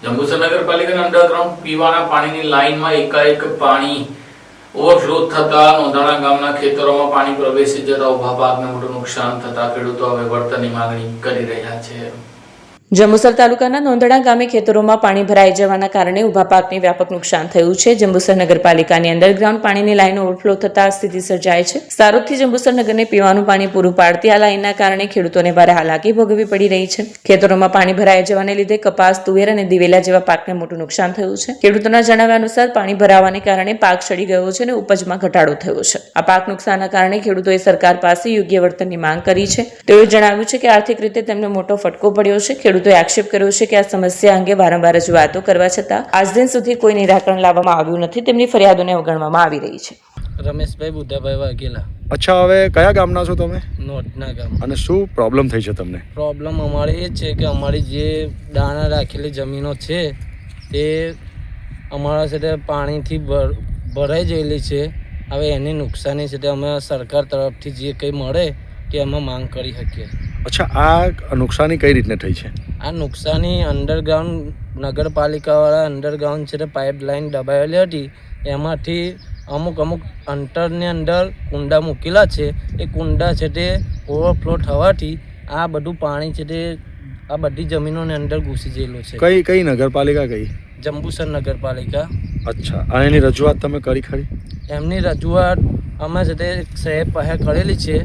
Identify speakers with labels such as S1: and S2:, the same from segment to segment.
S1: જંબુસર નગરપાલિકાના અંડરગ્રાઉન્ડ પીવાના પાણીની લાઇનમાં એકાએક પાણી ઓવરફ્લો થતા નોંધાણા ગામના ખેતરોમાં પાણી પ્રવેશી જતા ઉભા પાકને મોટું નુકસાન થતા ખેડૂતો હવે વળતરની માંગણી કરી રહ્યા છે।
S2: જંબુસર તાલુકાના નોંધણા ગામે ખેતરોમાં પાણી ભરાઈ જવાના કારણે ઉભા પાકને વ્યાપક નુકસાન થયું છે। જંબુસર નગરપાલિકાની અંડરગ્રાઉન્ડ પાણીની લાઈન ઓવરફ્લો થતા સ્થિતિ સર્જાય છે। સારોદથી જંબુસર નગરને પીવાનું પાણી પૂરું પાડતી આ લાઈનના કારણે ખેડૂતોને ભારે હાલાકી ભોગવવી પડી રહી છે। ખેતરોમાં પાણી ભરાઈ જવાને લીધે કપાસ, તુવેર અને દિવેલા જેવા પાકને મોટું નુકસાન થયું છે। ખેડૂતોના જણાવ્યા અનુસાર પાણી ભરાવાને કારણે પાક સડી ગયો છે અને ઉપજમાં ઘટાડો થયો છે। આ પાક નુકસાનના કારણે ખેડૂતોએ સરકાર પાસે યોગ્ય વળતરની માંગ કરી છે। તેઓએ જણાવ્યું છે કે આર્થિક રીતે તેમને મોટો ફટકો પડ્યો છે। ખેડૂતોએ આક્ષેપ કર્યો છે કે આ સમસ્યા અંગે વારંવાર રજૂઆતો કરવા છતાં આજ દિન સુધી કોઈ નિરાકરણ લાવવામાં આવ્યું નથી। તેમની ફરિયાદોને અવગણવામાં આવી રહી છે।
S3: રમેશભાઈ બુદ્ધાભાઈ વાઘેલા।
S4: અચ્છા, હવે કયા ગામના છો તમે?
S3: નોટના ગામ।
S4: અને શું પ્રોબ્લેમ થઈ છે તમને?
S3: પ્રોબ્લેમ અમારે એ છે કે અમારી જે દાણા રાખેલી જમીનો છે તે અમારા સાથે પાણીથી ભરાઈ ગયેલી છે। હવે એની નુકસાની છે તે અમે સરકાર તરફથી જે કંઈ મળે તે અમે માંગ કરી શકીએ।
S4: અચ્છા, આ નુકસાની કઈ રીતને થઈ છે?
S3: આ નુકસાની અંડરગ્રાઉન્ડ નગરપાલિકાવાળા અંડરગ્રાઉન્ડ છે તે પાઇપલાઇન દબાવેલી હતી, એમાંથી અમુક અંતરની અંદર કુંડા મૂકેલા છે। એ કુંડા છે તે ઓવરફ્લો થવાથી આ બધું પાણી છે તે આ બધી જમીનોની અંદર ઘૂસી ગયેલું છે।
S4: કઈ નગરપાલિકા કઈ?
S3: જંબુસર નગરપાલિકા।
S4: અચ્છા, અને એની રજૂઆત તમે કરી ખરી?
S3: એમની રજૂઆત અમે છે તે સાહેબ પાસે કરેલી છે,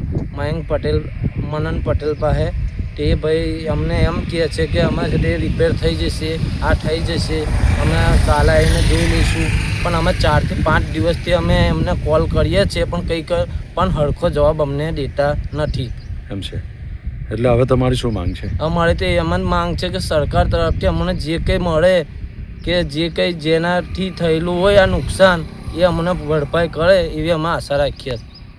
S3: મનન પટેલ પાસે। તે ભાઈ અમને એમ કહે છે કે અમે છે તે રિપેર થઈ જશે, આ થઈ જશે, અમે કાલે આવીને જોઈ લઈશું। પણ અમે 4 થી 5 દિવસથી અમે એમને કોલ કરીએ છીએ પણ હરખો જવાબ અમને દેતા નથી।
S4: એમ છે, એટલે હવે તમારી શું માંગ છે?
S3: અમારે તો એમ જ માંગ છે કે સરકાર તરફથી અમને જે કંઈ મળે કે જે કંઈ જેનાથી થયેલું હોય આ નુકસાન એ અમને ભરપાઈ કરે એવી અમે આશા રાખીએ છીએ।